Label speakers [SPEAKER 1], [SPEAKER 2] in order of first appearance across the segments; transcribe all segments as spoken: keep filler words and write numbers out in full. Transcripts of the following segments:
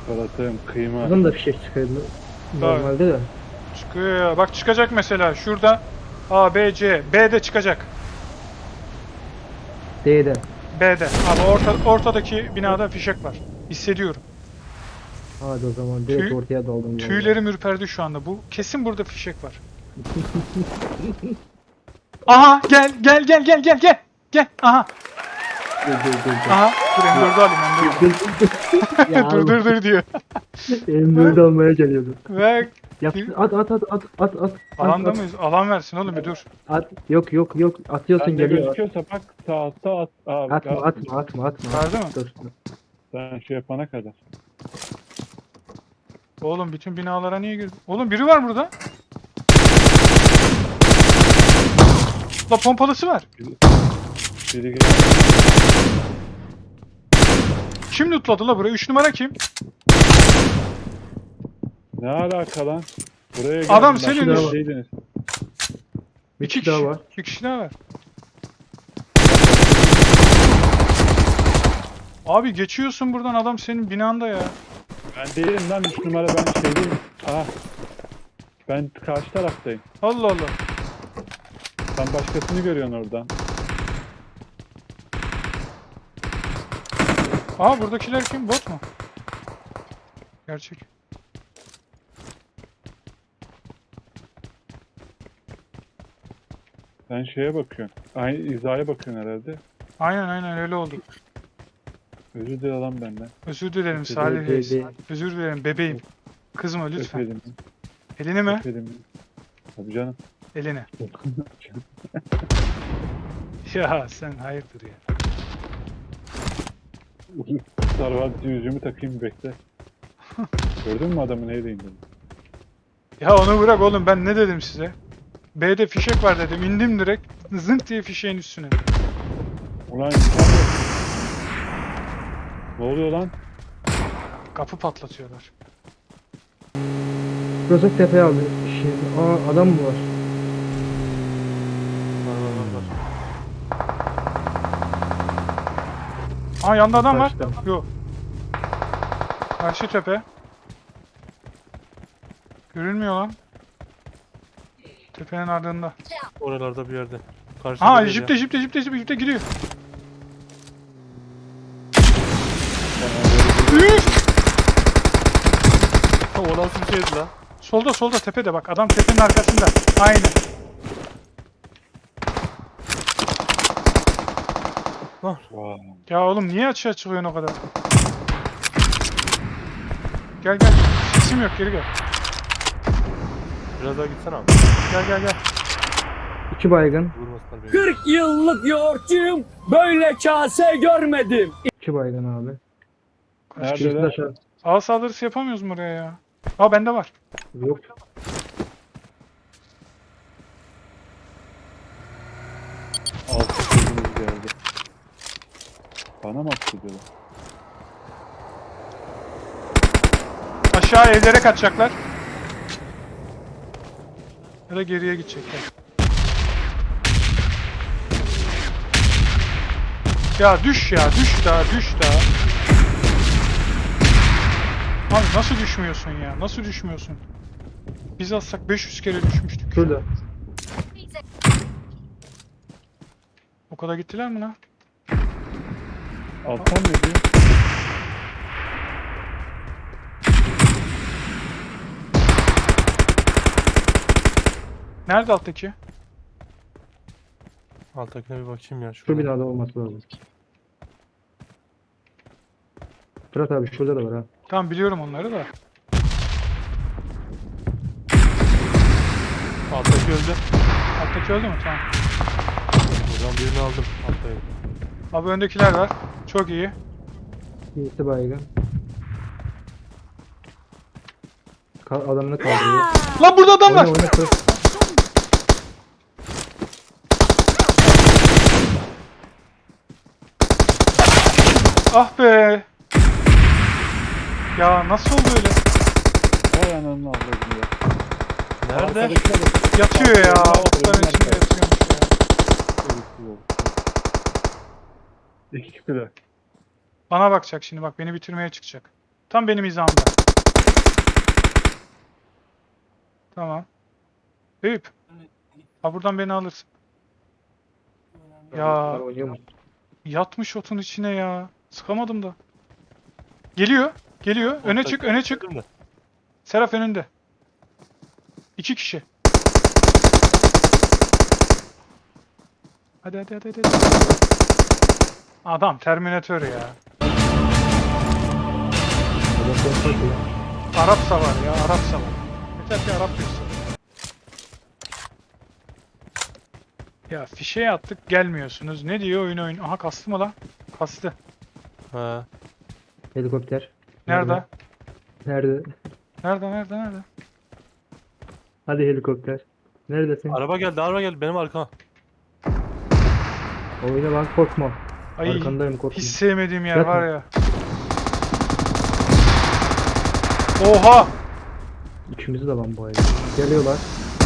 [SPEAKER 1] Çikolatam, kıyma.
[SPEAKER 2] Bunun da fişek çıkıyordu. Normalde de.
[SPEAKER 3] Çıkıyor ya. Bak çıkacak mesela. Şurada A, B, C. B'de çıkacak.
[SPEAKER 2] D'de.
[SPEAKER 3] B'de. Abi orta, ortadaki binada fişek var. Hissediyorum.
[SPEAKER 2] Hadi o zaman direkt
[SPEAKER 3] Tüy-
[SPEAKER 2] ortaya daldım. vallahi.
[SPEAKER 3] Tüylerim ürperdi şu anda. Bu kesin burada fişek var. Aha gel gel gel gel gel gel. Gel aha.
[SPEAKER 2] Dur dur dur. dur.
[SPEAKER 3] Aha. Dur M dördü alayım M dördü.
[SPEAKER 2] Dur, dur, dur. Ya
[SPEAKER 3] dur dur dur diyor.
[SPEAKER 2] M dört almaya geliyordu.
[SPEAKER 3] Ve
[SPEAKER 2] Yap, at at at at at at.
[SPEAKER 3] alanda
[SPEAKER 2] at,
[SPEAKER 3] mıyız? Alan versin oğlum bir dur.
[SPEAKER 2] At. Yok yok yok. Atıyorsun
[SPEAKER 1] Sen de
[SPEAKER 2] geliyor.
[SPEAKER 1] gözüküyorsa bak sağ sağ at. Aa,
[SPEAKER 2] Atma
[SPEAKER 1] ya,
[SPEAKER 2] atma atma atma.
[SPEAKER 3] Verdi mi?
[SPEAKER 2] Dur.
[SPEAKER 1] Sen şey yapana kadar.
[SPEAKER 3] Oğlum bütün binalara niye girdin? Oğlum biri var burada. La pompalısı var.
[SPEAKER 1] Biri gel.
[SPEAKER 3] Kim lootladı la burayı? üç numara kim?
[SPEAKER 1] Ne alaka lan? Buraya geldim.
[SPEAKER 3] Adam
[SPEAKER 1] ben,
[SPEAKER 3] senin
[SPEAKER 1] şurada
[SPEAKER 2] üst-
[SPEAKER 1] şeydiniz.
[SPEAKER 2] Bir
[SPEAKER 3] İki
[SPEAKER 2] kişi daha
[SPEAKER 3] kişi.
[SPEAKER 2] var.
[SPEAKER 3] Bir kişi daha var. Abi geçiyorsun buradan adam senin binanda ya.
[SPEAKER 1] Ben değilim lan üç numara ben şey değilim. Aha. Ben karşı taraftayım.
[SPEAKER 3] Allah Allah.
[SPEAKER 1] Sen başkasını görüyorsun oradan.
[SPEAKER 3] Aa buradakiler kim? Bot mu? Gerçek.
[SPEAKER 1] Sen şeye bakıyorsun. Aynı hizaya bakıyorsun herhalde.
[SPEAKER 3] Aynen aynen öyle oldu.
[SPEAKER 1] Özür dile lan benden.
[SPEAKER 3] Özür dilerim
[SPEAKER 1] Özür
[SPEAKER 3] Salih
[SPEAKER 2] dilerim,
[SPEAKER 3] Reis.
[SPEAKER 2] bebeğim.
[SPEAKER 3] Özür dilerim bebeğim. Kızma lütfen.
[SPEAKER 1] Öpelim.
[SPEAKER 3] Elini mi?
[SPEAKER 1] Öpelim. Tabii canım.
[SPEAKER 3] Elini. Ya sen hayırdır ya.
[SPEAKER 1] Sarvati yüzümü takayım bekle. Gördün mü adamı neydi indim?
[SPEAKER 3] Ya onu bırak oğlum ben ne dedim size? B'de fişek var dedim. İndim direkt. Zınk diye fişeğin üstüne.
[SPEAKER 1] Ulan insan yok. Ne oluyor lan?
[SPEAKER 3] Kapı patlatıyorlar.
[SPEAKER 2] Rozok tepeye aldı. Şey, aa adam mı var?
[SPEAKER 4] Var var var var.
[SPEAKER 3] Aa yanda adam var.
[SPEAKER 2] Karşıda.
[SPEAKER 3] Yok. Karşı tepe. Görünmüyor lan. Tepenin ardında.
[SPEAKER 4] Oralarda bir yerde. Karşıda
[SPEAKER 3] Aa
[SPEAKER 4] değil ya.
[SPEAKER 3] jipte jipte jipte jipte jipte gidiyor. Üf!
[SPEAKER 4] O nasıl bir şeydi lan?
[SPEAKER 3] Solda solda tepede bak adam tepenin arkasında. Aynen.
[SPEAKER 1] Vay.
[SPEAKER 3] Ya oğlum niye açığa çıkıyorsun o kadar? Gel gel. Sesim yok geri gel.
[SPEAKER 4] Biraz daha gitsene abi.
[SPEAKER 3] Gel gel gel.
[SPEAKER 2] İki baygın.
[SPEAKER 4] Vurmasınlar beni.
[SPEAKER 5] kırk yıllık yoğurtçuyum. Böyle kase görmedim.
[SPEAKER 2] İki baygın abi.
[SPEAKER 1] Nerede
[SPEAKER 2] Birisi de
[SPEAKER 1] lan?
[SPEAKER 2] aşağı.
[SPEAKER 3] Ağ saldırısı yapamıyoruz mu oraya ya? Aa bende var.
[SPEAKER 2] Yok.
[SPEAKER 1] Altı sözümüz geldi. Bana mı atıyorlar?
[SPEAKER 3] Aşağı evlere kaçacaklar. Ya da geriye gidecekler. Ya düş ya düş daha düş daha. Abi nasıl düşmüyorsun ya? Nasıl düşmüyorsun? Biz atsak beş yüz kere düşmüştük.
[SPEAKER 2] Şurada.
[SPEAKER 3] O kadar gittiler mi lan?
[SPEAKER 1] Alttan ne diyor?
[SPEAKER 3] Nerede alttaki?
[SPEAKER 4] Alttakine bir bakayım ya.
[SPEAKER 2] Şu
[SPEAKER 4] Şurada.
[SPEAKER 2] binada olması lazım. Fırat abi şurada da var ha.
[SPEAKER 3] Tamam biliyorum onları da.
[SPEAKER 4] Alttaki öldü.
[SPEAKER 3] Alttaki öldü mü? Tamam.
[SPEAKER 4] Buradan birini aldım. Alttayım.
[SPEAKER 3] Abi öndekiler var. Çok iyi.
[SPEAKER 2] Birisi baygın. Ka adamını kaldırıyor.
[SPEAKER 3] Lan burada adam var.
[SPEAKER 2] Oyna oyna kır.
[SPEAKER 3] Ah be. Ya nasıl oldu öyle?
[SPEAKER 1] Vay ananı avradım ya.
[SPEAKER 4] Nerede?
[SPEAKER 1] Arkadakiler de-
[SPEAKER 3] Yatıyor ya.
[SPEAKER 1] Arkadakiler de-
[SPEAKER 3] Otların içinde
[SPEAKER 1] Arkadakiler de-
[SPEAKER 3] yatıyormuş ya.
[SPEAKER 1] Gereksiz oldu. İki kişi de.
[SPEAKER 3] Bana bakacak şimdi bak beni bitirmeye çıkacak. Tam benim hizamda. Tamam. Eyüp. Ha buradan beni alırsın. Ya
[SPEAKER 2] Bunlar oynuyor mu?
[SPEAKER 3] yatmış otun içine ya. Sıkamadım da. Geliyor. Geliyor. Öne çık, öne çık.
[SPEAKER 4] Gördün mü?
[SPEAKER 3] Seraf önünde. İki kişi. Hadi hadi hadi hadi. Adam Terminator ya.
[SPEAKER 2] Adam bomba atıyor.
[SPEAKER 3] Arap savar ya, Arap savar. Yeter ki Arap görsün. Ya fişeye attık gelmiyorsunuz. Ne diyor oyun oyun? Aha kastı mı lan? Kastı.
[SPEAKER 4] Ha.
[SPEAKER 2] Helikopter.
[SPEAKER 3] Nerede?
[SPEAKER 2] Nerede?
[SPEAKER 3] Nerede nerede nerede?
[SPEAKER 2] Hadi helikopter. Neredesin?
[SPEAKER 4] Araba geldi, araba geldi benim arkama.
[SPEAKER 2] Oyna lan, korkma.
[SPEAKER 3] Ay
[SPEAKER 2] Arkandayım, korkma.
[SPEAKER 3] hiç sevmediğim yer
[SPEAKER 2] Yatma.
[SPEAKER 3] var ya. Oha!
[SPEAKER 2] İkimizi de lan bu ayda. Geliyorlar.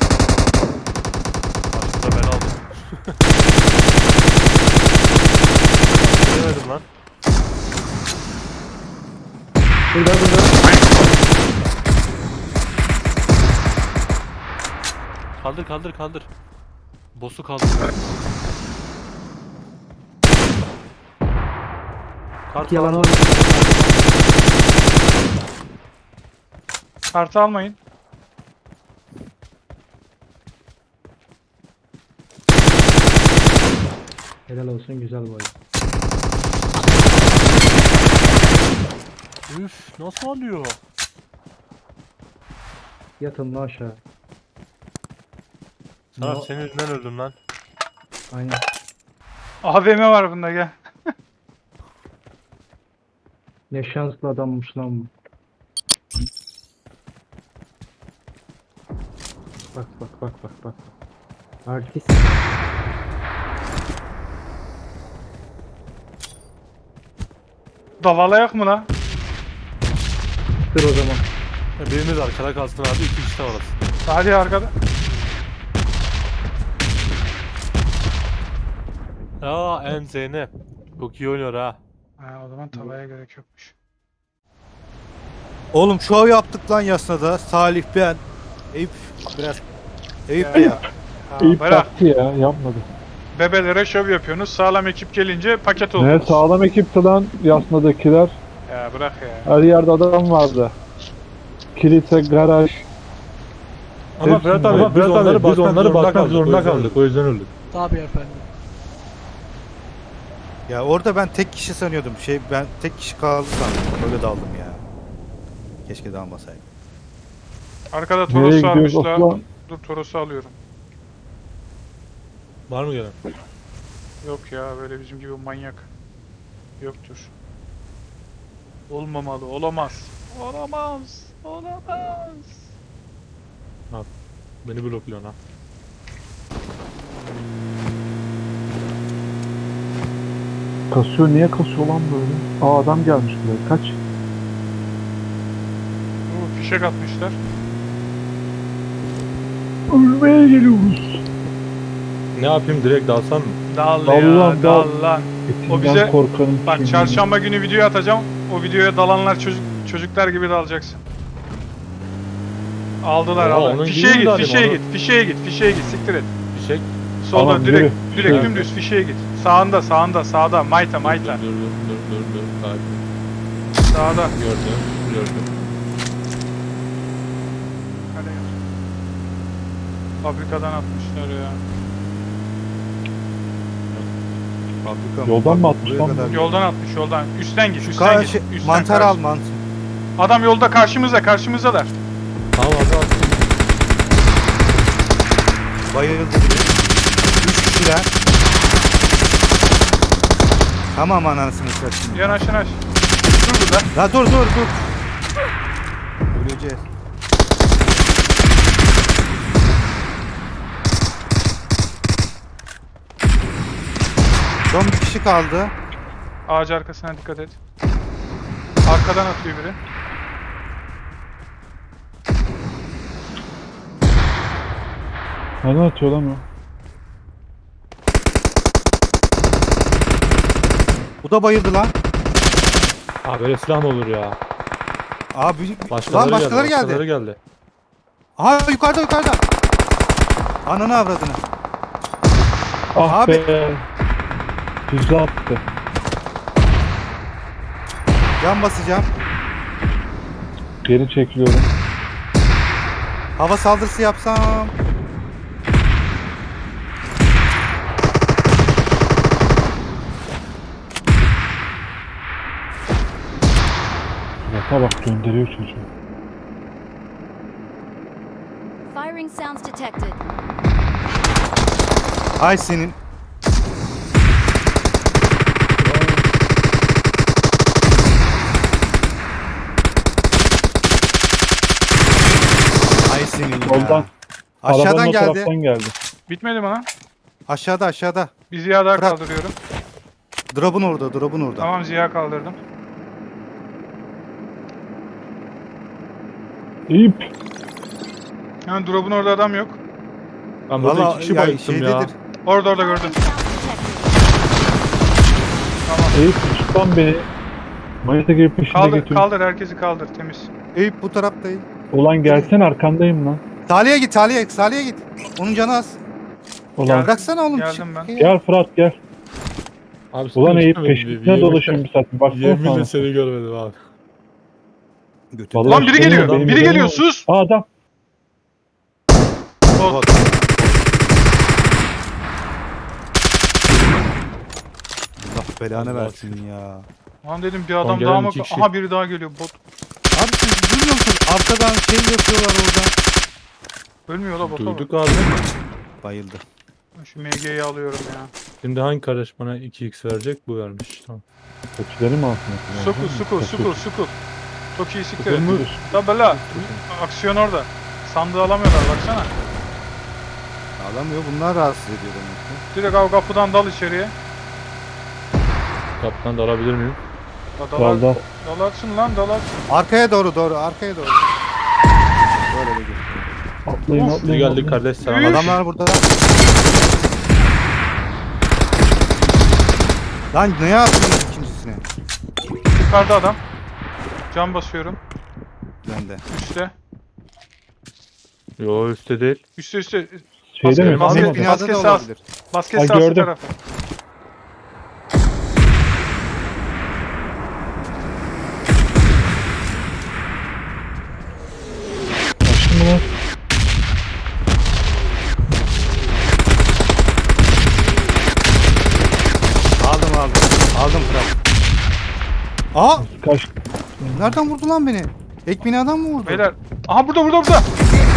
[SPEAKER 4] Aslında ben aldım. Göremedim lan.
[SPEAKER 2] Burada burada.
[SPEAKER 4] Kaldır kaldır kaldır. Boss'u kaldır. Kart
[SPEAKER 2] Yalan
[SPEAKER 4] falan.
[SPEAKER 2] var.
[SPEAKER 3] Kartı almayın.
[SPEAKER 2] Helal olsun, güzel bu oyun.
[SPEAKER 4] Üf, nasıl alıyor?
[SPEAKER 2] Yatın lan aşağı.
[SPEAKER 4] Sarap
[SPEAKER 2] No.
[SPEAKER 4] senin yüzünden öldüm lan.
[SPEAKER 2] Aynen.
[SPEAKER 3] A V M var bunda gel.
[SPEAKER 2] Ne şanslı adammış lan bu. Bak bak bak bak bak. Artist.
[SPEAKER 3] Davalayak mı lan?
[SPEAKER 2] Dur o zaman.
[SPEAKER 4] Birimiz arkada kalsın abi, iki kişi de orası.
[SPEAKER 3] Hadi arkada.
[SPEAKER 4] Aa en Zeynep. Çok iyi oynuyor ha.
[SPEAKER 3] Ha, o zaman tavaya gerek yokmuş.
[SPEAKER 6] Oğlum şov yaptık lan Yasna'da. Salih ben. Eyüp biraz. Eyüp
[SPEAKER 3] Ya.
[SPEAKER 6] ya.
[SPEAKER 3] Ha,
[SPEAKER 1] İyi
[SPEAKER 3] bırak.
[SPEAKER 1] baktı ya, yapmadı.
[SPEAKER 3] Bebelere şov yapıyorsunuz. Sağlam ekip gelince paket
[SPEAKER 1] Ne
[SPEAKER 3] oldunuz.
[SPEAKER 1] sağlam ekipti lan Yasna'dakiler.
[SPEAKER 3] Ya bırak ya.
[SPEAKER 1] Her yerde adam vardı. Kilise, garaj.
[SPEAKER 7] Ama
[SPEAKER 1] Hepsinde.
[SPEAKER 7] Fırat abi,
[SPEAKER 1] Ama
[SPEAKER 7] biz
[SPEAKER 1] Fırat
[SPEAKER 7] onları
[SPEAKER 1] abi, biz
[SPEAKER 7] basmak,
[SPEAKER 1] onları
[SPEAKER 7] zorunda,
[SPEAKER 1] basmak
[SPEAKER 7] kaldık.
[SPEAKER 1] zorunda
[SPEAKER 7] O yüzden
[SPEAKER 1] kaldık.
[SPEAKER 7] öldük. O yüzden öldük.
[SPEAKER 5] Tabii efendim.
[SPEAKER 6] Ya orada ben tek kişi sanıyordum. Şey ben tek kişi kaldı sandım. Öyle daldım ya. Keşke dalmasaydım.
[SPEAKER 3] Arkada
[SPEAKER 1] Nereye
[SPEAKER 3] Toros
[SPEAKER 1] gidiyoruz
[SPEAKER 3] varmışlar.
[SPEAKER 1] Osman?
[SPEAKER 3] Dur Toros'u alıyorum.
[SPEAKER 7] Var mı gelen?
[SPEAKER 3] Yok ya böyle bizim gibi manyak. Yoktur. Olmamalı. Olamaz. Olamaz. Olamaz.
[SPEAKER 7] Beni blokluyor ha.
[SPEAKER 1] Kasıyor, niye kasıyor lan böyle? Aa adam gelmiş buraya, kaç?
[SPEAKER 3] Oo, fişek atmışlar.
[SPEAKER 1] Ölmeye geliyoruz.
[SPEAKER 7] Ne yapayım, direkt dalsam mı?
[SPEAKER 3] Dal
[SPEAKER 1] Dal
[SPEAKER 3] ya
[SPEAKER 1] lan,
[SPEAKER 3] dal
[SPEAKER 1] dal.
[SPEAKER 3] lan.
[SPEAKER 1] Etinden
[SPEAKER 3] bize-
[SPEAKER 1] korkanın
[SPEAKER 3] Bak
[SPEAKER 1] kemiği.
[SPEAKER 3] çarşamba günü video atacağım. O videoya dalanlar çocuk çocuklar gibi dalacaksın. Aldılar
[SPEAKER 7] Oha,
[SPEAKER 3] aldılar.
[SPEAKER 7] onun
[SPEAKER 3] Fişeye
[SPEAKER 7] gibi mi
[SPEAKER 3] git,
[SPEAKER 7] dalayım
[SPEAKER 3] fişeye
[SPEAKER 7] onu?
[SPEAKER 3] git, fişeye git, fişeye git, siktir et.
[SPEAKER 7] Fişek.
[SPEAKER 3] Solda
[SPEAKER 1] Tamam,
[SPEAKER 3] direkt,
[SPEAKER 1] yürü.
[SPEAKER 3] direkt
[SPEAKER 1] Yürü.
[SPEAKER 3] dümdüz fişeye git. Sağında, sağında, sağda, mayta, mayta.
[SPEAKER 7] Dur dur dur dur dur. Sakin.
[SPEAKER 3] Sağda.
[SPEAKER 7] Gördüm. Gördüm.
[SPEAKER 3] Hadi gel. Fabrikadan atmışlar ya.
[SPEAKER 6] Fabrika
[SPEAKER 1] Yoldan mı
[SPEAKER 6] Bak,
[SPEAKER 1] atmış
[SPEAKER 6] buraya
[SPEAKER 1] lan?
[SPEAKER 6] kadar-
[SPEAKER 3] Yoldan atmış, yoldan. Üstten git, üstten
[SPEAKER 6] Ka-
[SPEAKER 3] git.
[SPEAKER 6] şey,
[SPEAKER 3] Üstten
[SPEAKER 6] mantar
[SPEAKER 3] karşı-
[SPEAKER 6] al mantar.
[SPEAKER 3] Adam yolda karşımızda, karşımızdalar.
[SPEAKER 7] Tamam hadi hadi.
[SPEAKER 6] Bayıldı biri. Üç kişiler. Tamam anasını satayım.
[SPEAKER 3] Yanaş yanaş. Dur burada.
[SPEAKER 6] La dur dur dur. Öleceğiz. Son bir kişi kaldı.
[SPEAKER 3] Ağaç arkasına dikkat et. Arkadan atıyor biri.
[SPEAKER 1] Nereden atıyor lan o?
[SPEAKER 6] Bu da bayıldı lan.
[SPEAKER 7] Aa böyle silah mı olur ya?
[SPEAKER 6] Abi
[SPEAKER 7] Başkaları,
[SPEAKER 6] lan başkaları geldi.
[SPEAKER 7] Başkaları geldi.
[SPEAKER 6] Aha yukarıda yukarıda. Ananı avradını.
[SPEAKER 1] Ah
[SPEAKER 6] Abi.
[SPEAKER 1] be. Hızlı attı.
[SPEAKER 6] Can basacağım.
[SPEAKER 1] Geri çekiliyorum.
[SPEAKER 6] Hava saldırısı yapsam.
[SPEAKER 1] Yata bak gönderiyor çocuğu.
[SPEAKER 8] Firing sounds detected.
[SPEAKER 6] Ay senin. Ay senin ya.
[SPEAKER 1] Soldan.
[SPEAKER 6] Aşağıdan
[SPEAKER 1] Arabanın o
[SPEAKER 6] geldi.
[SPEAKER 1] taraftan geldi.
[SPEAKER 3] Bitmedi mi lan?
[SPEAKER 6] Aşağıda aşağıda.
[SPEAKER 3] Bir Ziya daha
[SPEAKER 6] Fırat.
[SPEAKER 3] kaldırıyorum.
[SPEAKER 6] Drop'un orada, drop'un orada.
[SPEAKER 3] Tamam Ziya kaldırdım.
[SPEAKER 1] İp.
[SPEAKER 3] Yani drop'un orada adam yok.
[SPEAKER 7] Ben burada
[SPEAKER 6] Valla
[SPEAKER 7] iki kişi
[SPEAKER 6] ya
[SPEAKER 7] bayılttım ya.
[SPEAKER 6] şeydedir.
[SPEAKER 3] Orada orada gördüm.
[SPEAKER 8] Firing sounds detected.
[SPEAKER 3] Tamam.
[SPEAKER 1] Eyüp tutan beni. Manita gibi peşine
[SPEAKER 3] Kaldır,
[SPEAKER 1] götür.
[SPEAKER 3] kaldır herkesi kaldır temiz.
[SPEAKER 6] Eyüp bu taraftayım.
[SPEAKER 1] Ulan gelsen arkandayım lan.
[SPEAKER 6] Salih'e git, Salih'e, Salih'e git. Onun canı az.
[SPEAKER 1] Ulan
[SPEAKER 6] Bıraksana oğlum.
[SPEAKER 3] Geldim ben.
[SPEAKER 1] gel Fırat gel.
[SPEAKER 7] Abi
[SPEAKER 1] Ulan
[SPEAKER 7] seni
[SPEAKER 1] Eyüp
[SPEAKER 7] görmedim.
[SPEAKER 1] peşine
[SPEAKER 7] Yemin-
[SPEAKER 1] dolaşıyorum bir saat. Baksana
[SPEAKER 7] Yeminle
[SPEAKER 1] sana.
[SPEAKER 7] seni görmedim abi.
[SPEAKER 6] Götür.
[SPEAKER 1] Vallahi
[SPEAKER 3] Lan biri
[SPEAKER 1] benim-
[SPEAKER 3] geliyor.
[SPEAKER 1] benim
[SPEAKER 3] Biri
[SPEAKER 1] canım
[SPEAKER 3] geliyor.
[SPEAKER 1] var.
[SPEAKER 3] Sus.
[SPEAKER 1] Aa adam.
[SPEAKER 3] Bot.
[SPEAKER 6] Allah belanı
[SPEAKER 7] Allah.
[SPEAKER 6] versin ya.
[SPEAKER 3] Lan dedim bir adam
[SPEAKER 7] gelen
[SPEAKER 3] daha mı?
[SPEAKER 7] iki kişi.
[SPEAKER 3] Aha biri daha geliyor. Bot.
[SPEAKER 6] Abi siz duymuyor musunuz? Arkadan şey yapıyorlar orada.
[SPEAKER 3] Ölmüyor da bota bak.
[SPEAKER 7] Duyduk abi.
[SPEAKER 6] Bayıldı.
[SPEAKER 3] Şu M G'yi alıyorum ya.
[SPEAKER 7] Şimdi hangi kardeş bana iki x verecek? Bu vermiş. Tamam.
[SPEAKER 1] Koçları mı altına?
[SPEAKER 3] Sukul sukul sukul sukul. Çok iyi siktir.
[SPEAKER 7] Sukul mu?
[SPEAKER 3] Tabi la. Aksiyon orada. Sandığı alamıyorlar baksana.
[SPEAKER 6] Alamıyor. Bunlar rahatsız ediyor demek ki.
[SPEAKER 3] Direkt av kapıdan dal içeriye.
[SPEAKER 7] Kaptan da alabilir miyim?
[SPEAKER 3] Da dalar,
[SPEAKER 1] Dalda.
[SPEAKER 3] dalarsın lan dalarsın.
[SPEAKER 6] Arkaya doğru doğru. Arkaya doğru. Böyle de gidiyor.
[SPEAKER 1] Atlayın
[SPEAKER 3] Of,
[SPEAKER 7] Biz
[SPEAKER 1] atlayın.
[SPEAKER 7] geldik
[SPEAKER 1] atlayın.
[SPEAKER 7] kardeş selam.
[SPEAKER 3] Üf.
[SPEAKER 6] Adamlar burada. Lan ne yaptınız ikincisine?
[SPEAKER 3] Yukarıda adam. Cam basıyorum.
[SPEAKER 6] Ben de.
[SPEAKER 3] Üste.
[SPEAKER 7] Yo üstte değil.
[SPEAKER 3] Üste üste.
[SPEAKER 1] Şeyde mi?
[SPEAKER 3] Basket-
[SPEAKER 6] Ahmet
[SPEAKER 1] Anlamadım.
[SPEAKER 6] binada
[SPEAKER 3] Basket
[SPEAKER 6] da
[SPEAKER 3] sağ-
[SPEAKER 6] olabilir.
[SPEAKER 3] Basket
[SPEAKER 1] Ha,
[SPEAKER 3] sahası
[SPEAKER 1] gördüm.
[SPEAKER 3] tarafı.
[SPEAKER 1] Açtın mı lan?
[SPEAKER 6] Aldım aldım. Aldım Fırat. Aa!
[SPEAKER 1] Kaç.
[SPEAKER 6] Nereden vurdu lan beni? Ek binadan mı vurdu?
[SPEAKER 3] Beyler. Aha burada burada burada.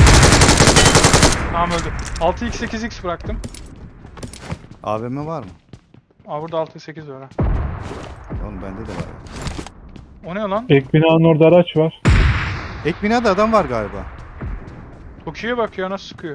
[SPEAKER 3] Tamam öldü. altı x sekiz x bıraktım.
[SPEAKER 6] A V M var mı?
[SPEAKER 3] Aa burada altı sekiz var ha.
[SPEAKER 6] Oğlum bende de var.
[SPEAKER 3] O ne lan?
[SPEAKER 1] Ek binanın orada araç var.
[SPEAKER 6] Ek binada adam var galiba.
[SPEAKER 3] Toki'ye bak ya nasıl sıkıyor.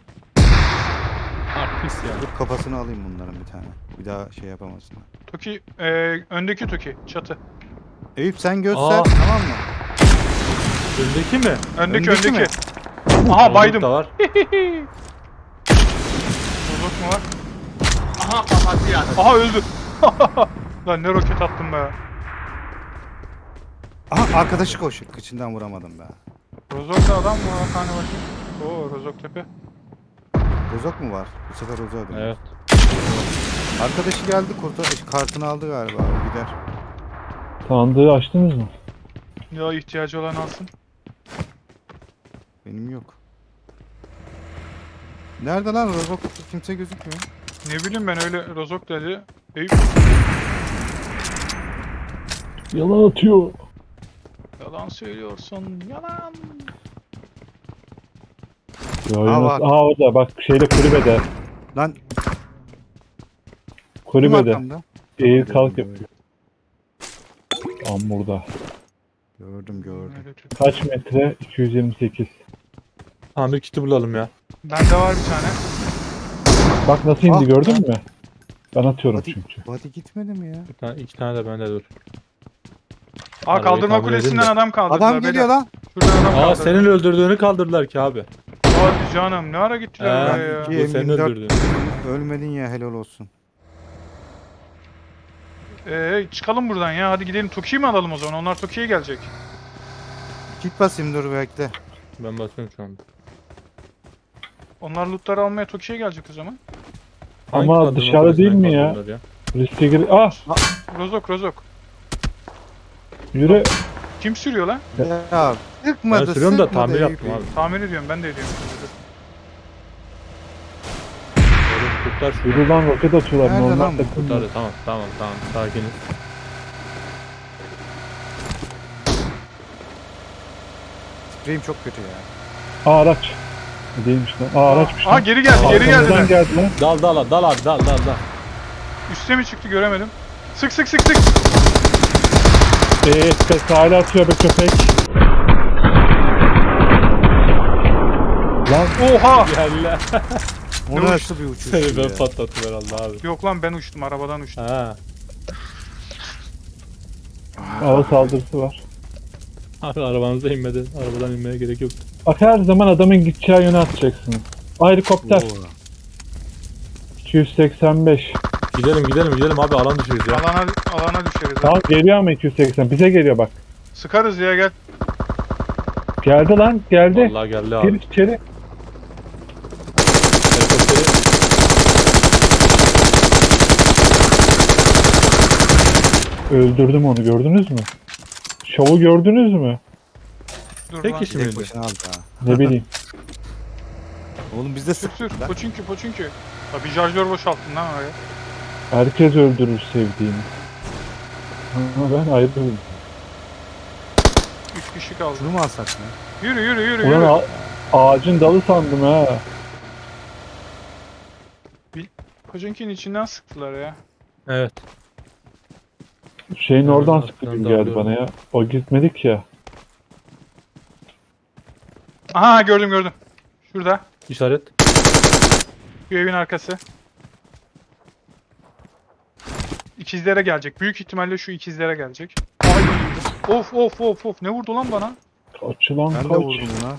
[SPEAKER 7] Artist ya.
[SPEAKER 6] Dur kafasını alayım bunların bir tane. Bir daha şey yapamasınlar.
[SPEAKER 3] Toki, e, öndeki Toki, çatı.
[SPEAKER 6] Eyüp sen göster
[SPEAKER 7] Aa.
[SPEAKER 6] tamam mı?
[SPEAKER 7] Öndeki mi?
[SPEAKER 3] Öndeki
[SPEAKER 6] Öndeki
[SPEAKER 3] öndeki.
[SPEAKER 6] mi?
[SPEAKER 3] Aha baydım.
[SPEAKER 7] Da var.
[SPEAKER 3] Bozuk mu var? Aha kapattı yani. Aha öldü. Lan ne roket attım be.
[SPEAKER 6] Aha arkadaşı koşuyor. Kıçından vuramadım be.
[SPEAKER 3] Rozok'ta adam mı var? Hani bakayım. Oo Rozok tepe.
[SPEAKER 6] Rozok mu var? Bu sefer Rozok'a dönüyor.
[SPEAKER 7] Evet.
[SPEAKER 6] Arkadaşı geldi kurtar kartını aldı galiba. O gider.
[SPEAKER 1] Sandığı açtınız mı?
[SPEAKER 3] Ya ihtiyacı olan alsın.
[SPEAKER 6] Benim yok. Nerede lan Rozok? Kimse gözükmüyor.
[SPEAKER 3] Ne bileyim ben öyle Rozok dedi. Eyüp
[SPEAKER 1] Yalan atıyor.
[SPEAKER 3] yalan söylüyorsun. Yalan.
[SPEAKER 1] Ya,
[SPEAKER 6] Aa,
[SPEAKER 1] Aa,
[SPEAKER 6] bak.
[SPEAKER 1] Aha orada bak şeyde kulübede.
[SPEAKER 6] Lan kim
[SPEAKER 1] Kulübede.
[SPEAKER 6] arkamda?
[SPEAKER 1] Eğil kalk yapıyor. Tam burada.
[SPEAKER 6] Gördüm gördüm.
[SPEAKER 3] Öyle Türk.
[SPEAKER 1] Kaç metre? iki yüz yirmi sekiz.
[SPEAKER 7] Tamir kiti bulalım ya.
[SPEAKER 3] Bende var bir tane.
[SPEAKER 1] Bak nasıl indi
[SPEAKER 6] Ah,
[SPEAKER 1] gördün mü? Ben atıyorum
[SPEAKER 6] Body,
[SPEAKER 1] çünkü.
[SPEAKER 6] body gitmedi mi ya?
[SPEAKER 7] Bir tane, iki tane de bende dur.
[SPEAKER 3] Aa
[SPEAKER 7] Arabayı
[SPEAKER 3] kaldırma
[SPEAKER 7] tamir edin
[SPEAKER 3] kulesinden
[SPEAKER 7] de.
[SPEAKER 3] adam kaldırdılar.
[SPEAKER 6] Adam geliyor
[SPEAKER 3] beyler.
[SPEAKER 6] lan.
[SPEAKER 3] Şuradan adam
[SPEAKER 7] Aa
[SPEAKER 3] kaldırdı.
[SPEAKER 7] senin öldürdüğünü kaldırdılar ki abi.
[SPEAKER 3] Hadi canım ne ara gittiler
[SPEAKER 7] Ee,
[SPEAKER 3] oraya ya.
[SPEAKER 7] bu
[SPEAKER 6] İki,
[SPEAKER 7] senin
[SPEAKER 6] yirmi dört.
[SPEAKER 7] öldürdüğün.
[SPEAKER 6] Ölmedin ya helal olsun.
[SPEAKER 3] Ee, çıkalım buradan ya. Hadi gidelim Toki'yi mi alalım o zaman? Onlar Toki'ye gelecek.
[SPEAKER 6] Kit basayım dur bekle.
[SPEAKER 7] Ben basıyorum şu anda.
[SPEAKER 3] Onlar lootları almaya Toki'ye gelecek o zaman.
[SPEAKER 7] Hangi
[SPEAKER 1] Ama
[SPEAKER 7] kaldırma
[SPEAKER 1] dışarıda
[SPEAKER 7] kulesine
[SPEAKER 1] değil mi ya?
[SPEAKER 7] kaldırdılar ya?
[SPEAKER 1] Riske gir... Ah!
[SPEAKER 3] Rozok rozok.
[SPEAKER 1] Yürü.
[SPEAKER 3] Kim sürüyor lan?
[SPEAKER 6] Ya
[SPEAKER 7] Ben
[SPEAKER 6] sıkmadı
[SPEAKER 7] sürüyorum da
[SPEAKER 6] sıkmadı
[SPEAKER 7] tamir
[SPEAKER 6] Eyüp
[SPEAKER 7] yaptım
[SPEAKER 6] Bey.
[SPEAKER 7] abi.
[SPEAKER 3] Tamir ediyorum ben de ediyorum.
[SPEAKER 7] Oğlum kurtar şunu.
[SPEAKER 1] Yürü lan roket atıyorlar.
[SPEAKER 6] Nerede
[SPEAKER 1] Normal
[SPEAKER 6] lan bu?
[SPEAKER 1] takım.
[SPEAKER 7] Kurtar. Tamam tamam tamam sakiniz.
[SPEAKER 6] Spreyim çok kötü ya.
[SPEAKER 1] Aa araç. Değilmiş lan. Aa araçmış
[SPEAKER 3] Aa
[SPEAKER 1] lan.
[SPEAKER 3] geri geldi geri
[SPEAKER 1] Arkamızdan
[SPEAKER 3] geldiler.
[SPEAKER 1] geldi lan.
[SPEAKER 7] Dal dal dal abi dal dal dal.
[SPEAKER 3] Üste mi çıktı göremedim. Sık sık sık sık.
[SPEAKER 1] Eee ses hala atıyor be köpek. Lan
[SPEAKER 3] Oha!
[SPEAKER 7] Gel.
[SPEAKER 6] O
[SPEAKER 3] Ne
[SPEAKER 6] nasıl bir uçuş
[SPEAKER 7] Seni ben
[SPEAKER 6] ya?
[SPEAKER 7] patlattım herhalde abi.
[SPEAKER 3] Yok lan ben uçtum arabadan uçtum.
[SPEAKER 7] Ha.
[SPEAKER 1] hava saldırısı var.
[SPEAKER 7] Abi arabanıza inmeden, arabadan inmeye gerek yok.
[SPEAKER 1] Bak her zaman adamın gideceği yöne atacaksınız. Aa, helikopter.
[SPEAKER 6] Oo.
[SPEAKER 1] iki yüz seksen beş.
[SPEAKER 7] Gidelim gidelim gidelim abi alan düşüyoruz ya.
[SPEAKER 3] Alana alana düşeriz. ha.
[SPEAKER 1] Tamam geliyor ama iki yüz seksen. Bize geliyor bak.
[SPEAKER 3] Sıkarız ya gel.
[SPEAKER 1] Geldi lan geldi.
[SPEAKER 7] Vallahi geldi
[SPEAKER 1] Gir
[SPEAKER 7] abi.
[SPEAKER 1] içeri.
[SPEAKER 7] Helikopteri
[SPEAKER 1] Öldürdüm onu gördünüz mü? Şovu gördünüz mü?
[SPEAKER 3] Dur
[SPEAKER 7] tek
[SPEAKER 3] lan.
[SPEAKER 7] kişi
[SPEAKER 6] Tek
[SPEAKER 7] miydi?
[SPEAKER 6] başına aldı ha.
[SPEAKER 1] Ne bileyim.
[SPEAKER 6] Oğlum biz de
[SPEAKER 3] Sür sür.
[SPEAKER 6] sıktık lan.
[SPEAKER 3] O çünkü o çünkü. Ya bir şarjör boşalttın lan oraya.
[SPEAKER 1] Herkes öldürür sevdiğini. Ama ben ayrıldım.
[SPEAKER 3] Üç kişi kaldı.
[SPEAKER 6] Şunu mu alsak ya?
[SPEAKER 3] Yürü yürü yürü
[SPEAKER 1] Ulan
[SPEAKER 3] yürü.
[SPEAKER 1] a- ağacın dalı sandım ha.
[SPEAKER 3] Kocunkinin içinden sıktılar ya.
[SPEAKER 7] Evet.
[SPEAKER 1] Şeyin
[SPEAKER 7] Ben
[SPEAKER 1] oradan
[SPEAKER 7] de
[SPEAKER 1] sıktı
[SPEAKER 7] arkadan
[SPEAKER 1] gibi geldi
[SPEAKER 7] dalıyorum.
[SPEAKER 1] bana ya. O gitmedik ya.
[SPEAKER 3] Aha gördüm gördüm. Şurada.
[SPEAKER 7] İşaret.
[SPEAKER 3] Şu evin arkası. İkizlere gelecek. Büyük ihtimalle şu ikizlere gelecek. Ay. Of of of of. Ne vurdu lan bana?
[SPEAKER 1] Açılan
[SPEAKER 6] Ben de
[SPEAKER 1] kaç.
[SPEAKER 6] vurdum buna.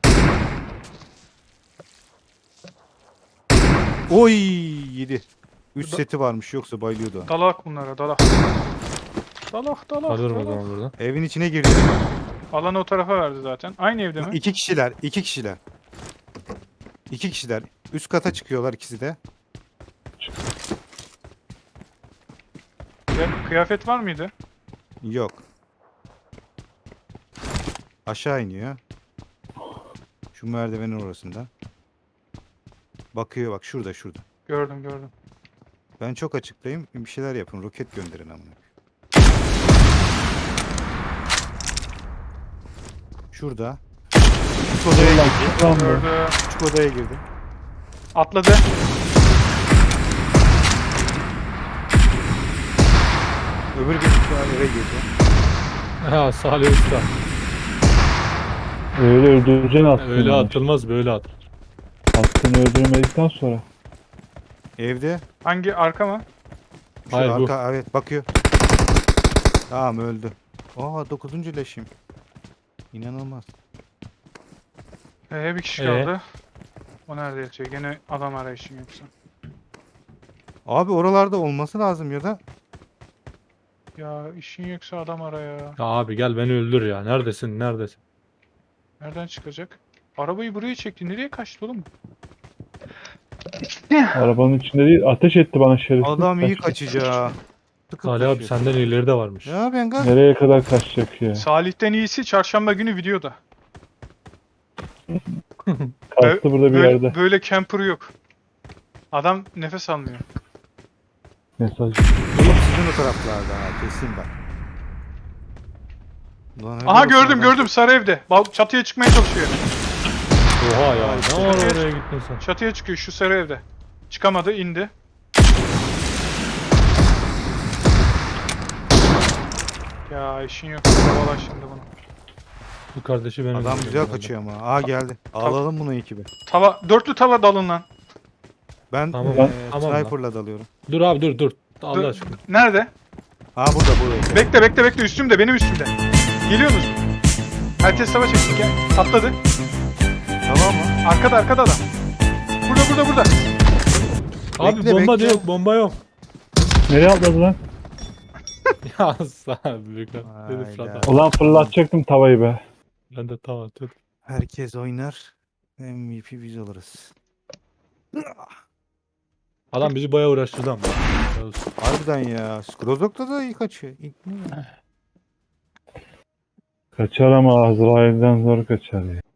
[SPEAKER 6] Oy yedi. üç seti varmış yoksa bayılıyordu.
[SPEAKER 3] Dalak bunlara dalak. Dalak dalak
[SPEAKER 7] Alıyorum o
[SPEAKER 3] dalak.
[SPEAKER 7] zaman buradan.
[SPEAKER 6] Evin içine girdi.
[SPEAKER 3] Alanı o tarafa verdi zaten. Aynı evde mi?
[SPEAKER 6] İki kişiler, iki kişiler. İki kişiler. Üst kata çıkıyorlar ikisi de.
[SPEAKER 3] Ve kıyafet var mıydı?
[SPEAKER 6] Yok. Aşağı iniyor. Şu merdivenin orasında. Bakıyor bak şurada şurada.
[SPEAKER 3] Gördüm gördüm.
[SPEAKER 6] Ben çok açıktayım. Bir şeyler yapın. Roket gönderin amına. Şurada. Küçük odaya girdi.
[SPEAKER 1] Lan bu.
[SPEAKER 3] Gördüm.
[SPEAKER 6] Küçük odaya girdi.
[SPEAKER 3] Atladı.
[SPEAKER 6] Öbür gün eve girdi.
[SPEAKER 7] Ha Salih Usta.
[SPEAKER 1] Öyle öldüreceksin aslında.
[SPEAKER 7] Öyle atılmaz böyle at.
[SPEAKER 1] Aslını öldürmedikten sonra.
[SPEAKER 6] Evde.
[SPEAKER 3] Hangi arka mı?
[SPEAKER 6] Şu
[SPEAKER 7] Hayır, bu.
[SPEAKER 6] arka evet bakıyor. Tamam öldü. Aa dokuzuncu leşim. İnanılmaz.
[SPEAKER 3] Ee, bir kişi
[SPEAKER 7] Ee?
[SPEAKER 3] kaldı. O nerede yatıyor? Gene adam arayışın yoksa.
[SPEAKER 6] Abi oralarda olması lazım ya da
[SPEAKER 3] Ya işin yoksa adam ara ya.
[SPEAKER 7] Ya abi gel beni öldür ya. Neredesin neredesin?
[SPEAKER 3] Nereden çıkacak? Arabayı buraya çekti. Nereye kaçtı oğlum?
[SPEAKER 1] Arabanın içinde değil. Ateş etti bana şerefsiz.
[SPEAKER 6] adam iyi
[SPEAKER 1] Kaçtı.
[SPEAKER 6] kaçacak. Tıkıp
[SPEAKER 7] Salih abi
[SPEAKER 6] kaçıyor.
[SPEAKER 7] senden iyileri de varmış.
[SPEAKER 6] Ya ben gaz.
[SPEAKER 1] Nereye kadar kaçacak ya?
[SPEAKER 3] Salih'ten iyisi çarşamba günü videoda.
[SPEAKER 1] Kastı burada bir
[SPEAKER 3] böyle,
[SPEAKER 1] yerde.
[SPEAKER 3] Böyle camper yok. Adam nefes almıyor.
[SPEAKER 1] Mesaj.
[SPEAKER 6] Oğlum sizin o taraflarda ha kesin bak. Ulan helal
[SPEAKER 3] Aha
[SPEAKER 6] olsun
[SPEAKER 3] gördüm
[SPEAKER 6] adam.
[SPEAKER 3] gördüm sarı evde. Bal çatıya çıkmaya çalışıyor.
[SPEAKER 7] Oha ya. Ne var
[SPEAKER 3] Çatıya-
[SPEAKER 7] oraya gittin sen?
[SPEAKER 3] Çatıya çıkıyor şu sarı evde. Çıkamadı indi. Ya işin yok. Kovala şimdi bunu.
[SPEAKER 7] Bu kardeşi benim.
[SPEAKER 6] Adam güzel kaçıyor ama. Aa geldi. Alalım bunu ekibi.
[SPEAKER 3] Tava, dörtlü tava dalın lan.
[SPEAKER 6] Ben
[SPEAKER 7] Tamam,
[SPEAKER 6] eee,
[SPEAKER 7] tamam lan.
[SPEAKER 6] sniper'la dalıyorum.
[SPEAKER 7] Dur abi dur dur. Allah
[SPEAKER 3] Dur.
[SPEAKER 7] aşkına.
[SPEAKER 3] Nerede?
[SPEAKER 6] Aa burada burada.
[SPEAKER 3] Bekle bekle bekle üstümde benim üstümde. Geliyor musun? Herkes savaş etsin gel. Atladı.
[SPEAKER 6] Tamam mı?
[SPEAKER 3] Arkada arkada adam. Burada burada burada.
[SPEAKER 7] Abi
[SPEAKER 6] Bekle,
[SPEAKER 7] bomba
[SPEAKER 6] bekle.
[SPEAKER 7] da yok bomba yok.
[SPEAKER 1] Nereye atladı lan?
[SPEAKER 7] Ya sağ ol büyükler. Dedi
[SPEAKER 6] Hayda.
[SPEAKER 7] Fırat abi.
[SPEAKER 1] Ulan fırlatacaktım tavayı be.
[SPEAKER 7] Ben de tam atıyordum.
[SPEAKER 6] Herkes oynar. M V P biz oluruz.
[SPEAKER 7] Adam bizi bayağı uğraştırdı ama. Helal olsun.
[SPEAKER 6] Harbiden ya. Skrozok'ta da iyi kaçıyor. İlk ne ya?
[SPEAKER 1] Kaçar ama Azrail'den zor kaçar ya.